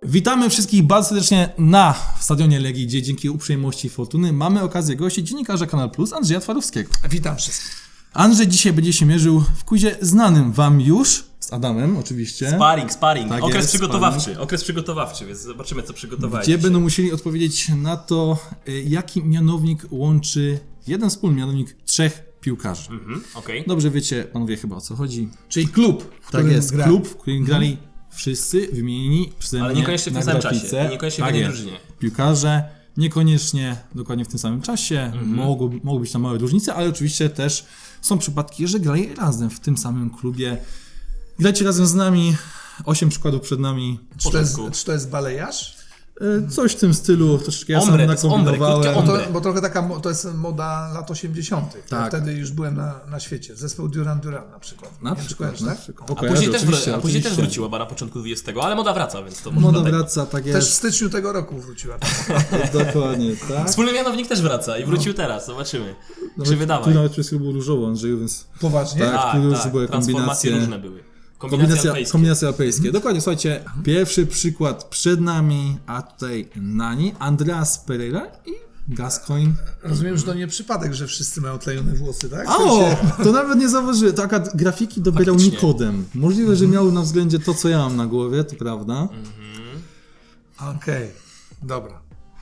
Witamy wszystkich bardzo serdecznie na stadionie Legii, gdzie dzięki uprzejmości Fortuny mamy okazję gościć dziennikarza Kanal Plus Andrzeja Twarowskiego. Witam wszystkich. Andrzej dzisiaj będzie się mierzył w quizie znanym wam już, z Adamem oczywiście. Sparring. Tak okres jest, przygotowawczy, więc zobaczymy, co przygotowałeś. Gdzie będą musieli odpowiedzieć na to, jaki mianownik łączy jeden wspólny mianownik trzech piłkarzy. Okej. Dobrze wiecie, panowie, chyba o co chodzi. Czyli klub, w Tak którym jest, gra. klub, w którym grali wszyscy wymienieni przeze mnie Ale niekoniecznie w na tym samym grafice. czasie, niekoniecznie w jednej jest. drużynie. Piłkarze, niekoniecznie dokładnie w tym samym czasie, mogą być tam małe różnice, ale oczywiście też są przypadki, że grali razem w tym samym klubie. Grajcie razem z nami, 8 przykładów przed nami. Czy to jest balejarz? Coś w tym stylu, troszeczkę ja Ombre, sam to jest ombre, nakombinowałem. krótkie Bo, ombre. bo trochę to jest moda lat 80. Tak. Wtedy już byłem na świecie. Zespół Duran Duran na przykład. Na Nie wiem, czy przykład, kojarzysz, na tak? przykład. A później też wróciła, bo na początku XX, ale moda wraca, więc to może Moda dlatego. wraca, tak Też w jest. styczniu tego roku wróciła. Dokładnie, tak. Wspólny mianownik też wraca i wrócił teraz, zobaczymy. Nawet, Czy wydawaj. tu nawet przez chwilę było różowo, Andrzeju, więc Poważnie? Tak. tu już były transformacje kombinacje. różne były. Kombinacje Kombinacje alpejskie. Dokładnie, słuchajcie, pierwszy przykład przed nami, a tutaj nani, Andreas Pereira i Gascoigne. Rozumiem, że to nie przypadek, że wszyscy mają tlejone włosy, tak? O, to nawet nie zauważyłem. To akurat grafiki dobierał Faktycznie. Nikodem. Możliwe, że miał na względzie to, co ja mam na głowie, to prawda. Okej, dobra.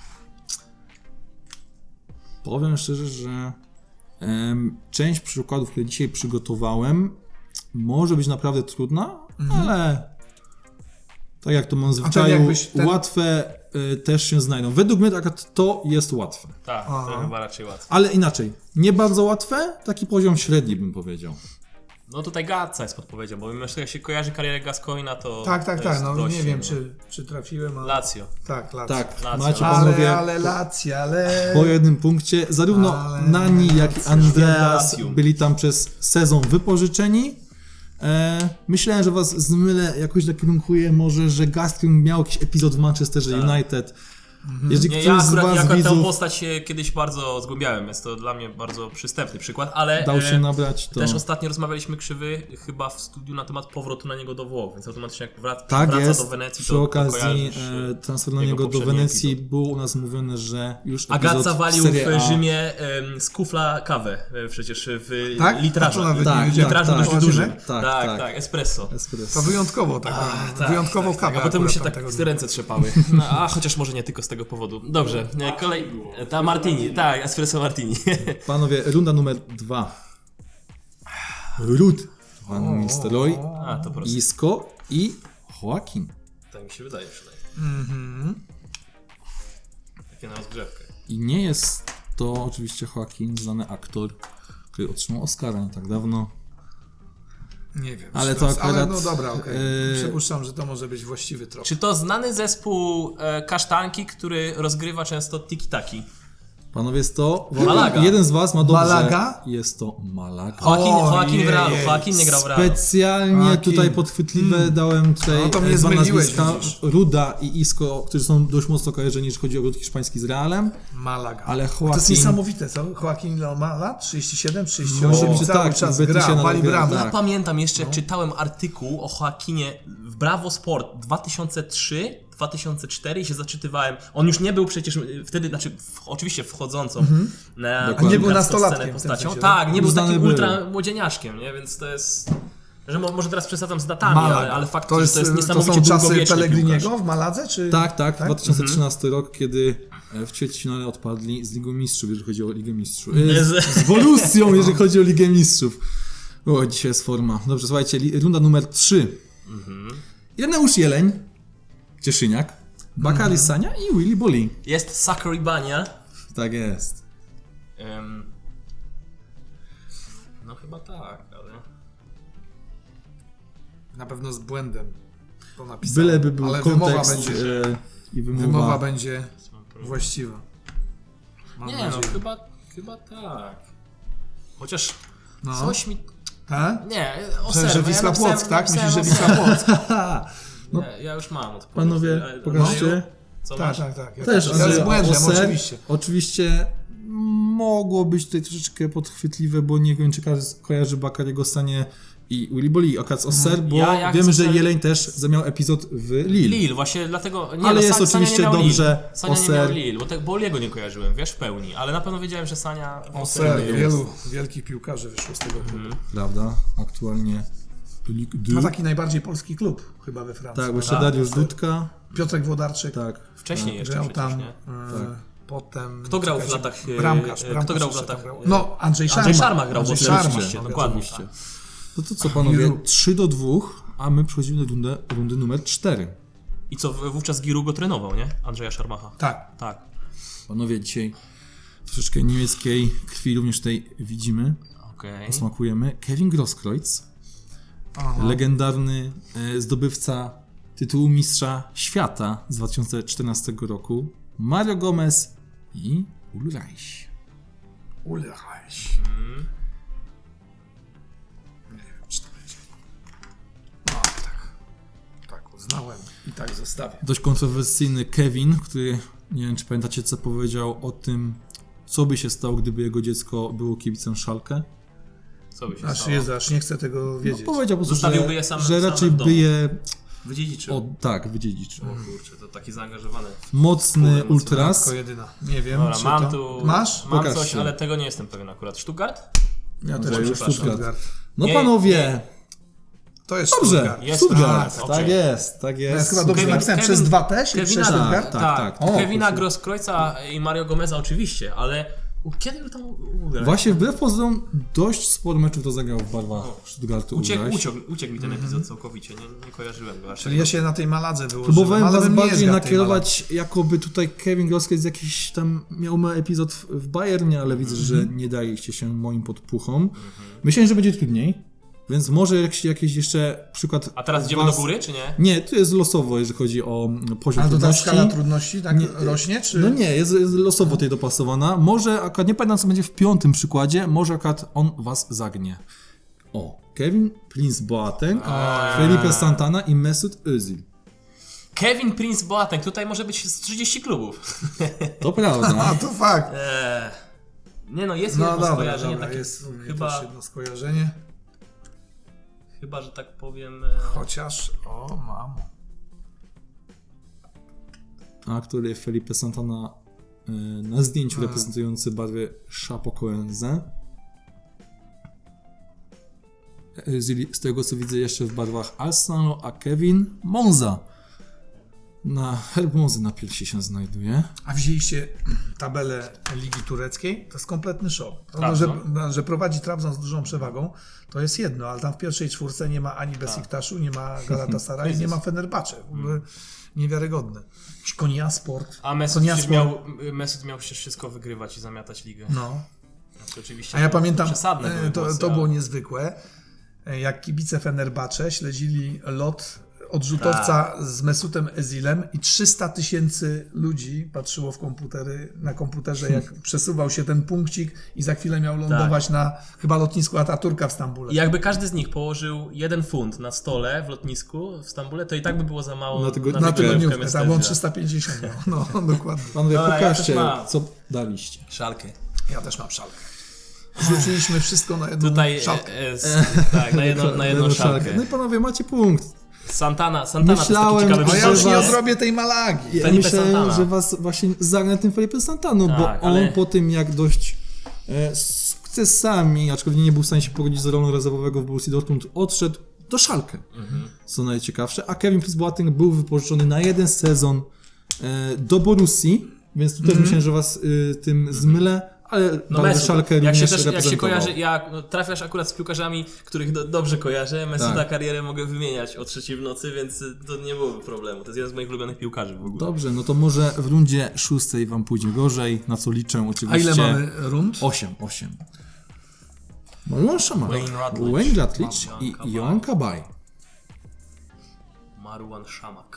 Powiem szczerze, że część przykładów, które dzisiaj przygotowałem, może być naprawdę trudna, ale tak jak to mam w zwyczaju, jakbyś łatwe też się znajdą. Według mnie akurat to jest łatwe. Tak, to chyba raczej łatwo. Ale inaczej, nie bardzo łatwe, taki poziom średni bym powiedział. No tutaj Gatza jest podpowiedzią, bo mimo że jak się kojarzy karierę Gascoigna, to Tak, to jest no dość, nie wiem, czy trafiłem, ale... Lazio. Tak, Lazio. Tak, Lazio. macie panowie Ale Lazio, ale... po jednym punkcie. Zarówno Ale- Nani, jak i Andreas Lazio. byli tam przez sezon wypożyczeni. Myślałem, że was zmylę, jakoś nakierunkuję może, że Gascoigne miał jakiś epizod w Manchesterze United. Jeżeli Nie, ktoś z was ja akurat tę widzów postać się kiedyś bardzo zgłębiałem, jest to dla mnie bardzo przystępny przykład, ale dał się nabrać, to... też ostatnio rozmawialiśmy Krzywy chyba w studiu na temat powrotu na niego do Włoch, więc automatycznie jak Tak wraca jest, do Wenecji, przy to okazji kojarzysz, transfer na jego niego do poprzedni Wenecji epizod. było u nas mówione, że już Agazza epizod walił Serie A. w Rzymie z kufla kawę przecież w Tak? A to litrażu. nawet Tak, nie wiedziałem. litrażu dość Poważnie? dużym. Tak. Tak, espresso. Espresso. To wyjątkowo, wyjątkową kawę. A potem mu się akurat tak tamtego ręce trzepały. No, a chociaż może nie tylko z tego powodu. Dobrze, ta Martini, tak, espresso Martini. Panowie, runda numer 2. Rud Van Nistelrooy, A, to proste. Isco i Joaquin. Tak mi się wydaje przynajmniej. Takie na rozgrzewkę. I nie jest to oczywiście Joaquin, znany aktor, który otrzymał Oscara nie tak dawno. Nie wiem. Ale czy to jest- akurat, Ale no dobra, okej. e, Przypuszczam, że to może być właściwy trop. Czy to znany zespół kasztanki, który rozgrywa często tiki-taki? Panowie, jest to... Malaga. Jeden z was ma dobrze. Malaga? Jest to Malaga. Joaquin w Realu, Ojej. Joaquin nie grał w Realu. Specjalnie Joaquin. tutaj podchwytliwe dałem tutaj No to mnie dwa zmyliłeś, nazwiska, widzisz. Ruda i Isco, którzy są dość mocno kojarzeni, jeśli chodzi o ród hiszpański z Realem. Malaga. Ale To jest Joaquin... niesamowite, co? Joaquin ile on ma lat? 37, 38 Może i cały tak, czas w Betisie gra, nawet wali gra, bramę. tak. Ja pamiętam jeszcze, jak czytałem artykuł o Joaquinie w Bravo Sport 2003-2004 i się zaczytywałem. On już nie był przecież wtedy, oczywiście wchodzącą na Dokładnie. Nie był scenę nastolatkiem w tym postacią. sensie, Tak, nie był Uznany takim był. ultra młodzieniaszkiem, nie? Więc to jest... Że może teraz przesadzam z datami, Malaga. ale fakt, to że jest, to jest to niesamowicie są czasy długowieczny Pellegriniego piłkarz. w Maladze? Czy... Tak, 2013 rok, kiedy w ćwierćfinale odpadli z Ligą Mistrzów, jeżeli chodzi o Ligę Mistrzów. Z Borussią, jeżeli chodzi o Ligę Mistrzów. O, dzisiaj jest forma. Dobrze, słuchajcie, runda numer 3. Ireneusz Jeleń, Cieszyniak, Bakary Sania i Willy Boli. Jest Sakuribania. Tak jest. No chyba tak, ale... Na pewno z błędem to napisałem. Byleby był ale kontekst wymowa będzie, i wymowa będzie właściwa. Mam Nie nadzieję. no, chyba tak. Chociaż No. coś mi... Tak? Nie, Że Oserwa. Wisła Płock, tak? Myślisz, że Wisła Wisła Płock? Ja już mam odpowiedź. Panowie, Ale- pokażcie. Co Tak, masz? tak. Ja Też, ja Andrzej, z błędem, Oser, oczywiście. Oczywiście mogło być tutaj troszeczkę podchwytliwe, bo nie wiem, czy każdy kojarzy Bakary'ego Sanie i Willy Bolli, akurat z Auxerre, bo Ja wiemy, chcę- że Jeleń też miał epizod w Lille. Lille, właśnie dlatego... Nie, Ale no, jest Sania oczywiście nie miał dobrze, Lille. Sania nie miał Auxerre. Lille, bo tego Bolliego nie kojarzyłem, wiesz, w pełni. Ale na pewno wiedziałem, że Sania... Auxerre, jest. wielu wielkich piłkarzy wyszło z tego klubu. Prawda? Aktualnie Ligue 2. No taki najbardziej polski klub chyba we Francji. Tak, bo jeszcze Dariusz Dudka. Piotrek Włodarczyk Tak. Wcześniej jeszcze grał przecież, tam. nie? Potem... Kto grał w czekajcie, latach, Bramkarz. kto grał w jeszcze tam latach, grał. No, Andrzej Szarma. Andrzej Szarma grał w Andrzej Auxerre, Szarma, oczywiście, no, dokładnie. Oczywiście. No to co panowie, 3-2, a my przechodzimy do rundy numer 4. I co, wówczas Giroud go trenował, nie? Andrzeja Szarmacha. Tak. Tak. Panowie, dzisiaj troszeczkę niemieckiej krwi również tutaj widzimy, Okej. smakujemy. Kevin Grosskreutz, Aha. legendarny zdobywca tytułu mistrza świata z 2014 roku, Mario Gomez i Ulreich. Ulreich. Nie wiem, czy to będzie. No, tak uznałem i tak zostawię. Dość kontrowersyjny Kevin, który, nie wiem czy pamiętacie co powiedział o tym, co by się stało, gdyby jego dziecko było kibicem Schalke. Co by się Aż stało? Jezu, aż nie chcę tego wiedzieć. Powiedział po prostu, Zostawiłby je same- że same raczej w domu. by je Wydziedziczył. wydziedziczył. O kurczę, to taki zaangażowany. Mocny Kurde, ultras. Tylko jedyna. Nie wiem, Dobra, czy mam to... tu... Masz? Mam Pokaż coś, się. ale tego nie jestem pewien akurat. Stuttgart? Ja też Andrzeju, przepraszam. Stuttgart. No Nie, panowie, To jest dobrze, Stuttgart. Jest Stuttgart, Stuttgart, tak okej. jest, tak Ja jest jest. chyba dobrze Kevin- napisałem. Kevin- Przez 2 też? Kevina, Przez Stuttgart? tak. Kevina proszę. Grosskreutza i Mario Gomeza oczywiście, ale kiedy był tam Ulreich? Właśnie wbrew pozorom dość sporo meczów to zagrał w barwach Stuttgartu Ulreich. Uciekł mi ten epizod całkowicie, nie kojarzyłem go aż. Czyli ja się na tej Maladze wyłożyłem. Próbowałem ale was bym nie bardziej zgadł tej nakierować, jakoby tutaj Kevin Grosskreutz jakiś tam miał epizod w Bayernie, ale widzę, że nie daliście się moim podpuchom. Myślałem, że będzie trudniej, więc może jakiś jeszcze przykład. A teraz idziemy was... do góry, czy nie? Nie, tu jest losowo, jeżeli chodzi o poziom Ale to ta trudności. skala trudności tak rośnie, czy... No nie, jest losowo tutaj dopasowana. Może akurat, nie pamiętam co będzie w 5. przykładzie, może akurat on was zagnie. O, Kevin Prince Boateng, Felipe Santana i Mesut Özil. Kevin Prince Boateng, tutaj może być z 30 klubów. To prawda. A, to fakt. Nie no, jest No jedno dobra, skojarzenie dobra, takie, jest u mnie chyba, też jedno skojarzenie. chyba, że tak powiem... Chociaż, o mamo. A który Felipe Santana na zdjęciu reprezentujący barwy Chapecoense. Z tego co widzę jeszcze w barwach Arsenalu, a Kevin Monza. Na herb Monzy na piersi się znajduje. A widzieliście tabelę Ligi Tureckiej? To jest kompletny show. Trabzon. Że prowadzi Trabzon z dużą przewagą, to jest jedno, ale tam w pierwszej czwórce nie ma ani Besiktaszu, nie ma Galatasaray, nie ma Fenerbahce. W ogóle niewiarygodne. Jakiś Konyasport. A Mesut miał przecież wszystko wygrywać i zamiatać ligę. No. Znaczy, oczywiście A ja pamiętam, przesadne były głosy, to było ale- niezwykłe, jak kibice Fenerbahce śledzili lot odrzutowca z Mesutem Özilem i 300 000 ludzi patrzyło na komputerze, jak przesuwał się ten punkcik i za chwilę miał lądować na chyba lotnisku Ataturka w Stambule. I jakby każdy z nich położył 1 funt na stole w lotnisku w Stambule, to i tak by było za mało Na tego- Na tygodniówkę tygodniówkę, Mesut tak, bo on Özila. 350 miał. No, dokładnie. Panowie, Dobra, ja pokażcie, też mam. co daliście. Szalkę. Ja też mam szalkę. Rzuciliśmy wszystko na jedną Tutaj szalkę. tak, na jedną szalkę. No i panowie, macie punkt. Santana Myślałem, to jest taki A ciekawy ja już nie was- odrobię tej Malagi. Ja Felipe myślałem, Santana. że was właśnie zagnę tym Felipe Santaną, bo Tak, on ale- po tym jak dość sukcesami, aczkolwiek nie był w stanie się pogodzić z rolą rezerwowego w Borussii Dortmund, odszedł do Schalke, co najciekawsze, a Kevin Prince Boateng był wypożyczony na 1 sezon do Borussii, więc tu też myślałem, że was tym zmylę, ale No Mesut, Schalke jak się, również też, jak się reprezentował. kojarzy, trafiasz akurat z piłkarzami, których dobrze kojarzę, Mesuta Tak. karierę mogę wymieniać o 3 w nocy, więc to nie byłoby problemu. To jest jeden z moich ulubionych piłkarzy w ogóle. Dobrze, no to może w rundzie 6 wam pójdzie gorzej, na co liczę oczywiście. A ile mamy rund? 8. Mariusz Szamach, Wayne Rutledge. i Johan Kabaj. Marouane Chamakh.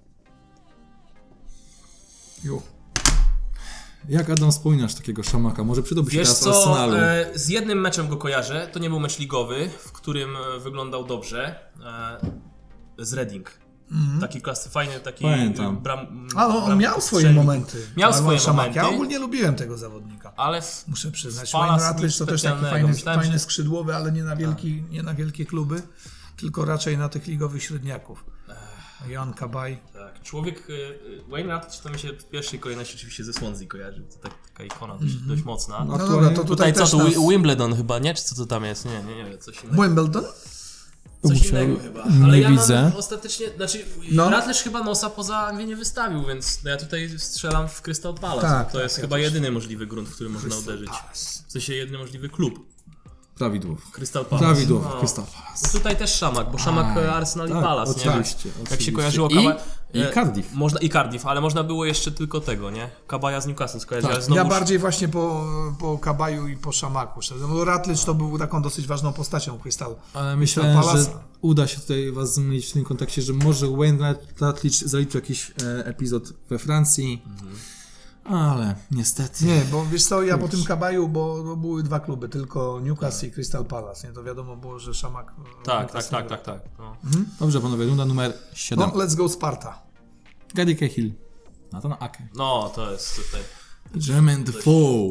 Jo. Jak Adam wspominasz takiego Szamaka? Może przydałby się Wiesz teraz co, Arsenalu. z jednym meczem go kojarzę, to nie był mecz ligowy, w którym wyglądał dobrze, z Reading. Taki klasy, fajny, taki... Pamiętam. Ale on miał swoje strzelnik. momenty. Miał Ale swoje Szamak, momenty. Ja ogólnie lubiłem tego zawodnika. Ale Muszę przyznać. Palace Wayne Rutledge nic to też taki specjalnego. Myślałem, fajny że- skrzydłowy, ale nie na wielkie kluby, tylko raczej na tych ligowych średniaków. Jan Kabaj. tak, człowiek... Wayne Rutledge to mi się w pierwszej kolejności oczywiście ze Swansea kojarzy. To taka ikona dość mocna. No dobra, to Tutaj co, też to nas... Wimbledon chyba, nie? Czy co to tam jest? Nie, coś innego. Wimbledon? Coś Musiał- innego chyba. nie Ale ja widzę. mam ostatecznie, znaczy No. Rutledge chyba nosa poza Anglię nie wystawił, więc ja tutaj strzelam w Crystal Palace. Tak, To tak, jest ja chyba też. jedyny możliwy grunt, w którym można uderzyć. W sensie jedyny możliwy klub. Prawidłowo. Crystal Palace. Prawidłowo, No. Crystal Palace. No tutaj też Szamak, bo Szamak Arsenal i tak, Palace, nie? oczywiście, Jak oczywiście. się kojarzyło I Cardiff. I Cardiff, ale można było jeszcze tylko tego, nie? Kabaja z Newcastle skojarzyć, Tak. ale znowu... Ja bardziej właśnie po Kabaju i po Szamaku. Szczerze. Bo Rutledge to był taką dosyć ważną postacią Crystal. Ale myślałem, Palace. że uda się tutaj was zmylić w tym kontekście, że może Wayne Rutledge zaliczył jakiś epizod we Francji, ale niestety. Nie, bo wiesz co, ja po tym Kabaju, bo były dwa kluby, tylko Newcastle i Crystal Palace. Nie, to wiadomo było, że Szamak... Tak. Newcastle. No. Dobrze panowie, runda numer 7. No, let's go Sparta. Gary Cahill, Nathan Ake, No, to jest tutaj... Jermaine Defoe.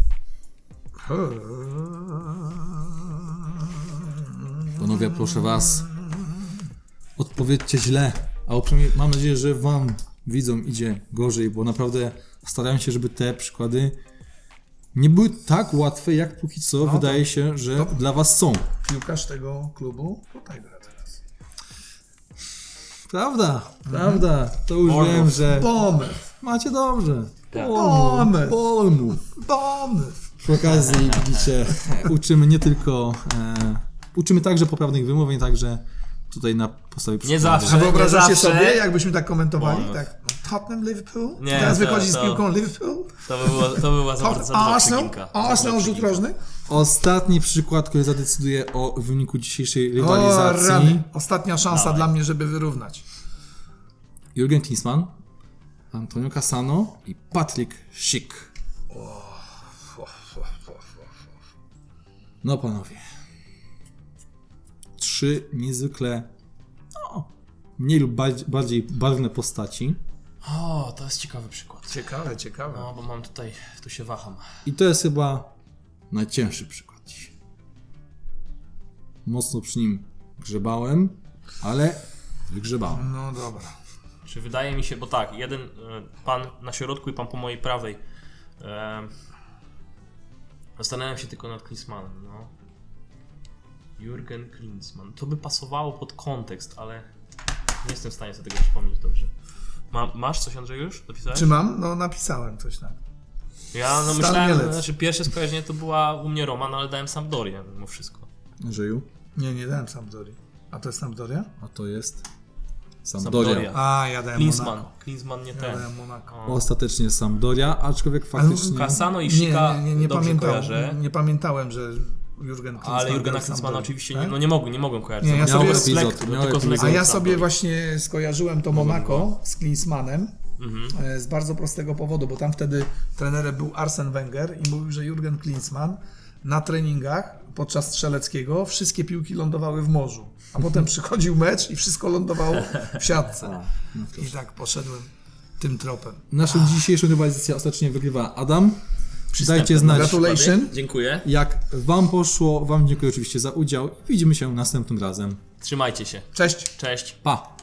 Panowie, proszę was, odpowiedzcie źle, a przynajmniej mam nadzieję, że wam, widzom, idzie gorzej, bo naprawdę staram się, żeby te przykłady nie były tak łatwe, jak póki co wydaje się, że dla was są. Piłkarz tego klubu tutaj gra teraz. Prawda, to już Bournemouth. wiem, że Bournemouth. macie dobrze. Bournemouth. Bournemouth. Bournemouth. Przy okazji, widzicie, uczymy nie tylko, uczymy także poprawnych wymówień, także tutaj na podstawie przykładu. zawsze. A wyobrażacie Nie zawsze. sobie, jakbyśmy tak komentowali? Bournemouth. Tak. Tottenham, Liverpool? Nie, Teraz to- wychodzi z to- piłką Liverpool? To była za bardzo Arsenal? przeginka. Arsenal rzut rożny? Ostatni przykład, który zadecyduje o wyniku dzisiejszej O, rywalizacji. rany. Ostatnia szansa Dawaj. dla mnie, żeby wyrównać. Jurgen Klinsmann, Antonio Cassano i Patrick Schick. No panowie. 3 niezwykle mniej lub bardziej barwne postaci. O, to jest ciekawy przykład. Ciekawe. No, bo mam tutaj, tu się waham. I to jest chyba najcięższy przykład dzisiaj. Mocno przy nim grzebałem, ale wygrzebałem. No dobra. Czy wydaje mi się, bo tak, jeden pan na środku i pan po mojej prawej. Zastanawiam się tylko nad Klinsmannem, no. Jurgen Klinsmann. To by pasowało pod kontekst, ale nie jestem w stanie sobie tego przypomnieć dobrze. Masz coś, Andrzej, już? Dopisałeś? Czy mam? No napisałem coś tam. Ja no Stan myślałem, Mielec. znaczy pierwsze skojarzenie to była u mnie Roman, ale dałem Sampdorię mimo wszystko. Żyju, Nie dałem Sampdorii. A to jest Sampdoria? a to jest Sampdoria. Sampdoria. A, ja dałem Klinsmann. Monaco. Klinsmann nie Ja ten. dałem Monaco. O. Ostatecznie Sampdoria, aczkolwiek faktycznie... Cassano i Schicka Nie dobrze kojarzę. Nie pamiętałem, że Jurgen Klinsmann Ale Jurgena grał w Klinsmana Sampdorii, oczywiście tak? nie mogłem kojarzyć. Nie, ja Tylko sobie- z Miał lekko, epizod, tylko miał z epizod. lekko A ja Sampdorii. sobie właśnie skojarzyłem to Monaco z Klinsmannem z bardzo prostego powodu, bo tam wtedy trenerem był Arsene Wenger i mówił, że Jurgen Klinsmann na treningach podczas strzeleckiego wszystkie piłki lądowały w morzu, a potem przychodził mecz i wszystko lądowało w siatce. I tak poszedłem tym tropem. Naszą dzisiejszą rywalizację ostatecznie wygrywa Adam. Dajcie znać, Gratulation. Dziękuję. jak wam poszło. Wam dziękuję oczywiście za udział. Widzimy się następnym razem. Trzymajcie się. Cześć. Cześć. Pa!